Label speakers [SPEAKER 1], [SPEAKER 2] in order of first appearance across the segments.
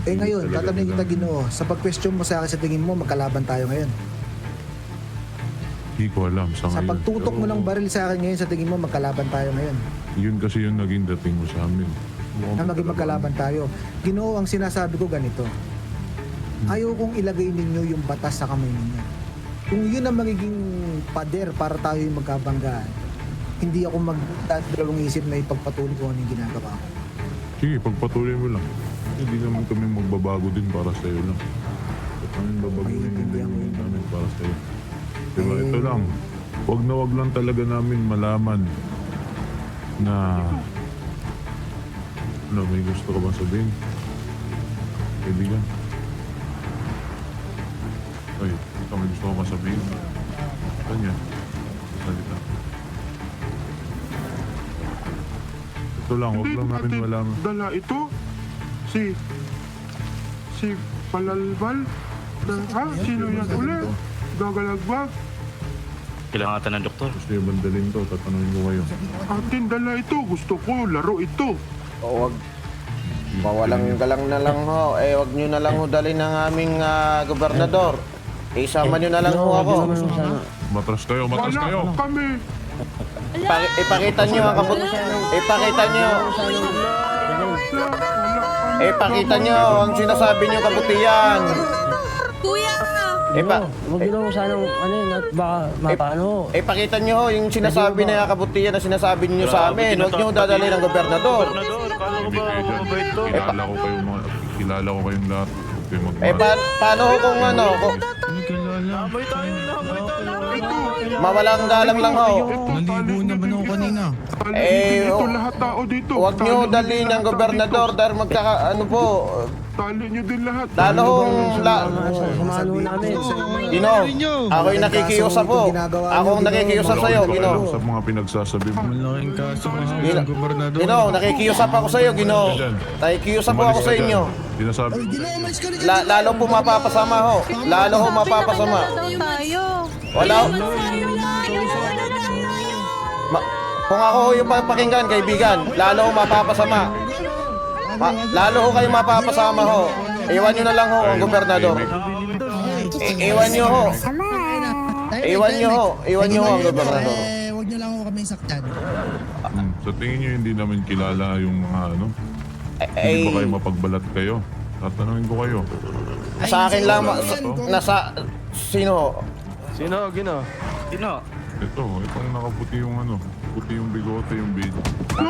[SPEAKER 1] Eh ngayon, tatanungin kita Ginoo, sa pag-question mo sa akin, sa tingin mo, magkalaban tayo ngayon.
[SPEAKER 2] Hindi ko alam sa
[SPEAKER 1] Sa
[SPEAKER 2] ngayon.
[SPEAKER 1] pagtutok mo ng baril sa akin ngayon, sa tingin mo, magkalaban tayo ngayon.
[SPEAKER 2] Yun kasi yung naging dating mo sa amin.
[SPEAKER 1] Na maging magkalaban tayo. Ginoo, ang sinasabi ko ganito. Ayaw kong ilagay ninyo yung batas sa kamay ninyo. Kung yun ang magiging pader para tayo yung magkabanggaan, hindi ako magdadalawang isip na ipagpatuloy ko ano yung ginagawa ko.
[SPEAKER 2] Sige, pagpatuloy mo lang. Hindi naman kami magbabago din para sa'yo lang. At kami babaguhin din namin para sa'yo. Diba, ito lang. Wag lang talaga namin malaman na... Ano, may gusto ka ba sabihin? Kaibigan? Ay, ikaw may gusto ka ba sabihin? Kanya? Salita. Ito lang, wag lang namin malaman.
[SPEAKER 3] Dala ito? Si Palalbal? Sino yan ulit? Gagalagbag?
[SPEAKER 4] Kailangan ata ng doktor.
[SPEAKER 2] Gusto yung bandalin to, tatanungin ko kayo.
[SPEAKER 3] Atin dala ito. Gusto ko laro ito.
[SPEAKER 5] O wag mawalang galang na lang ho. Wag nyo na lang ho dalhin ng aming gobernador. Isama nyo na lang ho ako.
[SPEAKER 2] Matras kayo, matras
[SPEAKER 3] Wala
[SPEAKER 2] kayo!
[SPEAKER 3] kami.
[SPEAKER 5] Ipakita nyo ang kabut... Ipakita nyo. Ipakita nyo ang sinasabi nyo kabutihan.
[SPEAKER 6] Kuya!
[SPEAKER 7] Huwag nyo naman sanang ano yun at baka mapaano.
[SPEAKER 5] Ipakita nyo ho yung sinasabi na kabutihan na sinasabi nyo sa amin. Huwag nyo dadalhin ng gobernador.
[SPEAKER 4] Gobernador, kala ko ba mabait to?
[SPEAKER 2] Kilala ko kayong lahat. Huwag kayong magmahal.
[SPEAKER 5] Paano ho kung ano?
[SPEAKER 4] Lamay tayo.
[SPEAKER 5] Mawalang galang lang ho.
[SPEAKER 8] Naligo naman ako kanina.
[SPEAKER 3] Ito lahat tao dito.
[SPEAKER 5] Huwag nyo dalhin ng gobernador dahil ano po.
[SPEAKER 3] Tali nyo din lahat.
[SPEAKER 5] Lalo hong...
[SPEAKER 7] Samahan ho namin.
[SPEAKER 5] Gino, ako'y nakikiusap po. Akong nakikiusap sa'yo, Gino.
[SPEAKER 2] Sa mga pinagsasabi mo.
[SPEAKER 8] Malaking kaso nga sa gobernador.
[SPEAKER 5] Gino, nakikiusap ako sa'yo, Gino. Nakikiusap po ako sa inyo.
[SPEAKER 2] Sinasabi.
[SPEAKER 5] Lalo po mapapasama ho. Lalo ho mapapasama.
[SPEAKER 6] Tayo!
[SPEAKER 5] Wala ho. Kung ako ho yung papakinggan, kaibigan, lalo ho mapapasama. Lalo ho kayo mapapasama ho. Iwan nyo na lang ho ang gobernador. Iwan nyo ho. Iwan nyo ho. Iwan nyo ho ang gobernador.
[SPEAKER 8] Huwag nyo lang ako kami saktan.
[SPEAKER 2] Sa tingin nyo hindi namin kilala yung mga ano? Hindi ba kayo mapagbalat kayo? Tatanungin ko kayo.
[SPEAKER 5] Sa akin lang, nasa... Sino ho?
[SPEAKER 4] Sino, Gino? Sino?
[SPEAKER 2] Ito, itong nakaputi yung ano. Puti yung bigote, yung beard.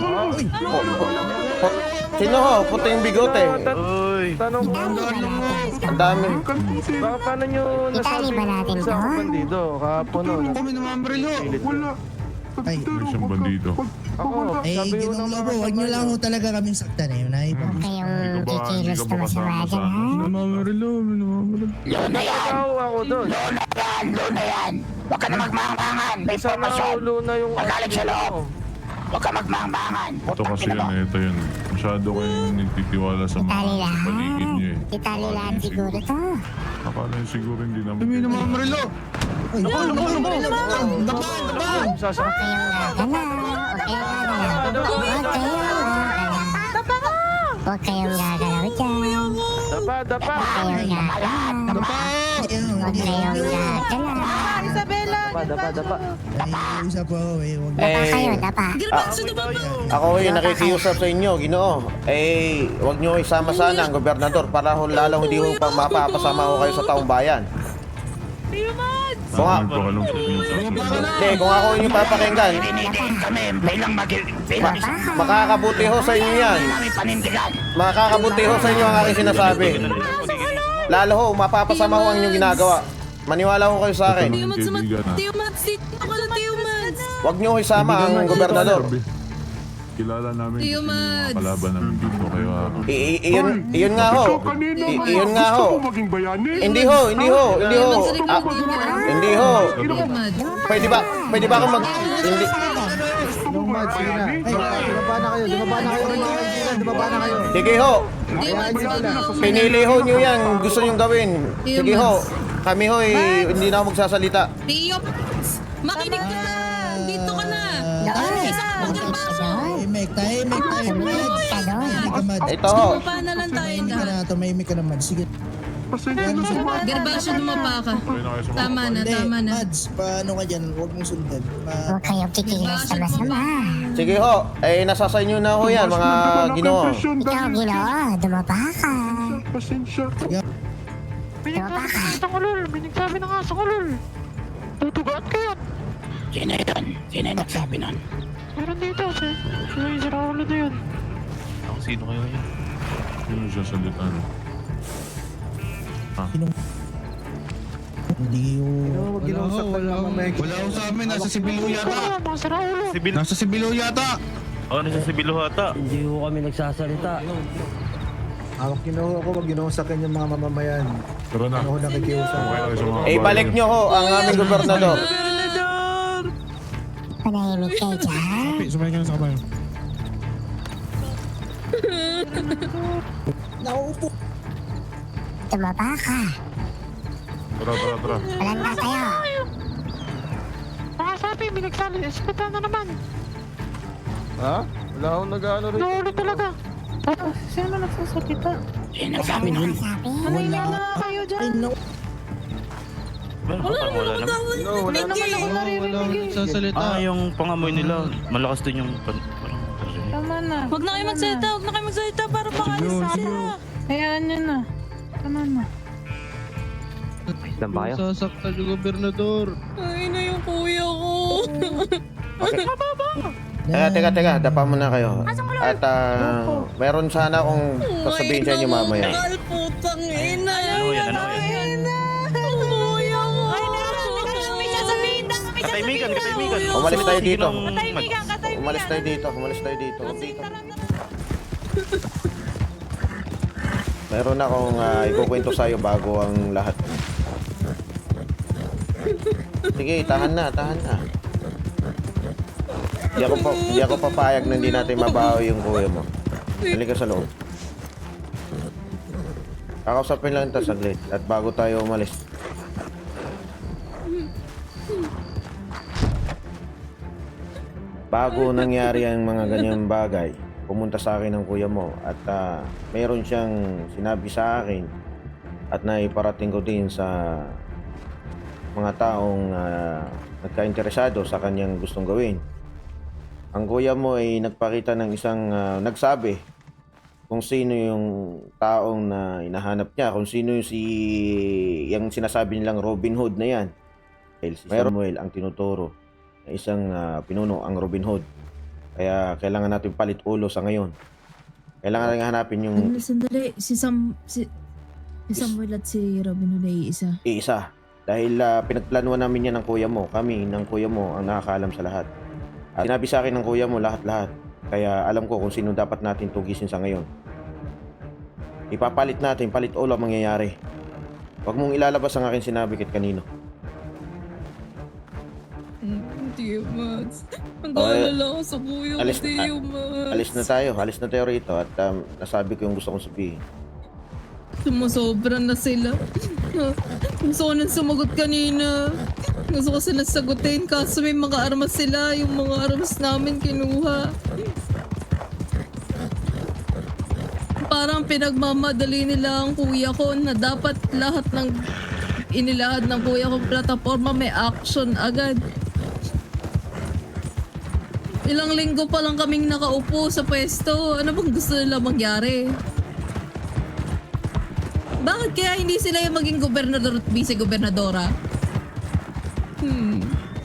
[SPEAKER 5] Sino ho? Puti yung bigote.
[SPEAKER 4] Uy!
[SPEAKER 7] Tanong ko,
[SPEAKER 5] Ang dami.
[SPEAKER 7] baka paano nyo nasabi sa akong bandido kahapon no?
[SPEAKER 8] Kami naman barilo.
[SPEAKER 3] Wala.
[SPEAKER 8] Ay,
[SPEAKER 2] May siyang bandido.
[SPEAKER 7] Ako,
[SPEAKER 8] eh,
[SPEAKER 7] sabi ko
[SPEAKER 8] ginong
[SPEAKER 7] ng
[SPEAKER 8] lobo, huwag nyo lang ho talaga kaming saktan eh. Naipag.
[SPEAKER 2] Kayong kikilos na masama dyan, ha?
[SPEAKER 8] Naman barilo, naman barilo.
[SPEAKER 7] Ikaw ako doon.
[SPEAKER 9] Luna yan! Huwag ka na magmangmangan! May
[SPEAKER 7] Isa na
[SPEAKER 9] informasyon!
[SPEAKER 7] ulo na yung...
[SPEAKER 9] Magaling sa loob! Huwag ka magmangmangan!
[SPEAKER 2] Ito kasi yan, ito yan. Masyado kayong nagtitiwala sa mga paligid niyo eh.
[SPEAKER 9] Italilan siguro to!
[SPEAKER 2] Akala nyo siguro hindi naman.
[SPEAKER 8] Kami naman barilo. Ay, naman barilo. Naman.
[SPEAKER 7] Sasakit.
[SPEAKER 9] Huwag kayong gagalaw dyan!
[SPEAKER 7] Dapa.
[SPEAKER 9] Huwag kayong gagalaw!
[SPEAKER 6] Isabela!
[SPEAKER 7] Dapa.
[SPEAKER 8] Ay, usap po. Huwag
[SPEAKER 5] Ako yung nakikiusap sa inyo, Ginoo. Huwag nyo isama sana ang gobernador para lalo hindi ho mapapasama ko kayo sa taong bayan.
[SPEAKER 2] Tatanungin ko kalong sa pinagsasabi.
[SPEAKER 5] Hindi, kung ako yung papakinggan,
[SPEAKER 9] Pinigin kami bilang
[SPEAKER 5] makakabuti ho sa inyo yan.
[SPEAKER 9] namin panindigan!
[SPEAKER 5] Makakabuti ho sa inyo ang aking sinasabi. Lalo ho, mapapasama ho ang inyong ginagawa. Maniwala ho kayo sa akin.
[SPEAKER 2] Tatanungin kaibigan ha.
[SPEAKER 6] Teo Mads! Ako na Teo Mads!
[SPEAKER 5] Huwag nyo isama ang gobernador.
[SPEAKER 2] Kilala namin
[SPEAKER 6] Teo
[SPEAKER 2] kasi yung mga
[SPEAKER 6] Mads.
[SPEAKER 2] kalaban namin dito. Kaya
[SPEAKER 5] Iyon nga ho. Iyon nga ho.
[SPEAKER 3] Gusto ko maging bayani.
[SPEAKER 5] Hindi ho. Hindi ho.
[SPEAKER 6] Teo Mads!
[SPEAKER 5] Pwede ba akong hindi.
[SPEAKER 1] Yung Mads, sige na. Ay, dumaba na kayo, dumaba na kayo. Dumaba na kayo.
[SPEAKER 5] Sige ho.
[SPEAKER 6] Teo Mads!
[SPEAKER 5] Pinili ho nyo yan. Gusto nyo gawin. Sige ho. Kami ho hindi na ako magsasalita.
[SPEAKER 6] Teo Mads! Makinig ka! Dito ka na! Isa! Huwag ka pa!
[SPEAKER 8] Tahimik, tahimik. Mads.
[SPEAKER 5] Ito ho.
[SPEAKER 6] Dumapa na lang tayo
[SPEAKER 8] Tumahimik ka
[SPEAKER 6] lahat.
[SPEAKER 8] na, tumahimik ka na, Mads. Sige.
[SPEAKER 3] Pasensya na po.
[SPEAKER 6] Gervasio, dumapa ka.
[SPEAKER 2] Okay na kayo sa mga
[SPEAKER 6] Tama na,
[SPEAKER 8] Hindi,
[SPEAKER 6] tama na.
[SPEAKER 8] Mads, paano ka dyan? Huwag mong sundan.
[SPEAKER 9] Huwag kayong kikilos na masama.
[SPEAKER 5] Sige ho, nasa sa inyo na ho yan, mga ginoo.
[SPEAKER 9] Ikaw, Ginoo, dumapa ka.
[SPEAKER 3] Pasensya.
[SPEAKER 9] Dumapa ka.
[SPEAKER 3] Binigsabi na nga sa kulol. Tutugat ka yan.
[SPEAKER 9] Sino yun? Sino yung nagsabi nun?
[SPEAKER 3] Meron dito. Sino yung siraulo na yun?
[SPEAKER 4] Sino kayo yun?
[SPEAKER 2] Sino siya salita no?
[SPEAKER 8] Hindi yun.
[SPEAKER 1] Huwag ginusaktan lang mamaya.
[SPEAKER 10] Wala ko sa amin, nasa Sibilu yata.
[SPEAKER 4] Sibil.
[SPEAKER 10] Nasa Sibilu yata.
[SPEAKER 4] Nasa Sibil ata.
[SPEAKER 7] Hindi ko kami nagsasalita.
[SPEAKER 1] Hawak Ginoo ako, wag ginusaktan yung mga mamamayan.
[SPEAKER 2] Tara na.
[SPEAKER 1] Ano ko nakikiusap.
[SPEAKER 2] Okay na kayo sa mga
[SPEAKER 5] Ibalik nyo ho ang aming gobernador.
[SPEAKER 9] Panahimik kayo dyan.
[SPEAKER 10] Sumay ka na sa kabayo.
[SPEAKER 8] Nauupo.
[SPEAKER 9] Dumapa ka.
[SPEAKER 2] Tara.
[SPEAKER 9] Malanda kayo.
[SPEAKER 3] Sabi, binagsali. Espetan na naman.
[SPEAKER 7] Ha? Wala akong nag-ano rin.
[SPEAKER 3] Naulo talaga.
[SPEAKER 9] Sino nagsabi nun?
[SPEAKER 8] Wala. Ay, no.
[SPEAKER 4] Wala naman.
[SPEAKER 6] Wala naman.
[SPEAKER 10] Wala ko nagsasalita.
[SPEAKER 4] Yung pangamoy nila, malakas din yung parang
[SPEAKER 6] Tama na. Huwag na kayo magsalita, para makalis na sila. Hayaan nyo na. Tama na.
[SPEAKER 10] Sasaktan yung gobernador.
[SPEAKER 6] Ay na yung kuya ko.
[SPEAKER 5] Teka, dapa muna kayo. At meron sana akong sasabihin sa inyo mamaya.
[SPEAKER 6] Putang ina.
[SPEAKER 4] Ano yan?
[SPEAKER 6] Ang kuya ko. May sasabihin na.
[SPEAKER 4] Katahimikan.
[SPEAKER 5] Umalis tayo dito.
[SPEAKER 6] Katahimikan.
[SPEAKER 5] Umalis tayo dito. Dito. Meron akong ikukwento sa'yo bago ang lahat. Sige, tahan na. Di ako papayag na hindi natin mabawi yung kuya mo. Halika sa loob. Kakausapin lang ito saglit at bago tayo umalis. Bago nangyari ang mga ganyang bagay, pumunta sa akin ang kuya mo at mayroon siyang sinabi sa akin at naiparating ko din sa mga taong nagka-interesado sa kanyang gustong gawin. Ang kuya mo ay nagpakita ng isang nagsabi kung sino yung taong na hinahanap niya, kung sino yung sinasabi nilang Robin Hood na yan. Si Samuel ang tinuturo na isang pinuno ang Robin Hood. Kaya kailangan natin palit ulo sa ngayon. Kailangan natin hanapin yung
[SPEAKER 6] Sandali, si Samuel at si Robin Hood ay isa.
[SPEAKER 5] iisa. Dahil pinagplanuhan namin yan ng kuya mo. Kami ng kuya mo ang nakakaalam sa lahat. At sinabi sa akin ng kuya mo lahat-lahat. Kaya alam ko kung sino dapat natin tugisin sa ngayon. Ipapalit natin, palit ulo ang mangyayari. Huwag mong ilalabas ang aking sinabi kahit kanino.
[SPEAKER 6] Hindi, Mads. Ang
[SPEAKER 5] Okay.
[SPEAKER 6] gaalala ko sa kuya ko, Tio, Mads.
[SPEAKER 5] Alis na tayo rito at nasabi ko yung gusto kong sabihin.
[SPEAKER 6] Sumusobra na sila. Gusto ko nang sumagot kanina. Gusto ko sila sagutin kaso may mga armas sila. Yung mga armas namin kinuha. Parang pinagmamadali nila ang kuya ko na dapat lahat ng inilahad ng kuya ko plataforma may action agad. Ilang linggo pa lang kaming nakaupo sa pwesto. Ano bang gusto nila mangyari? Bakit kaya hindi sila yung maging gobernador at vice-gobernadora?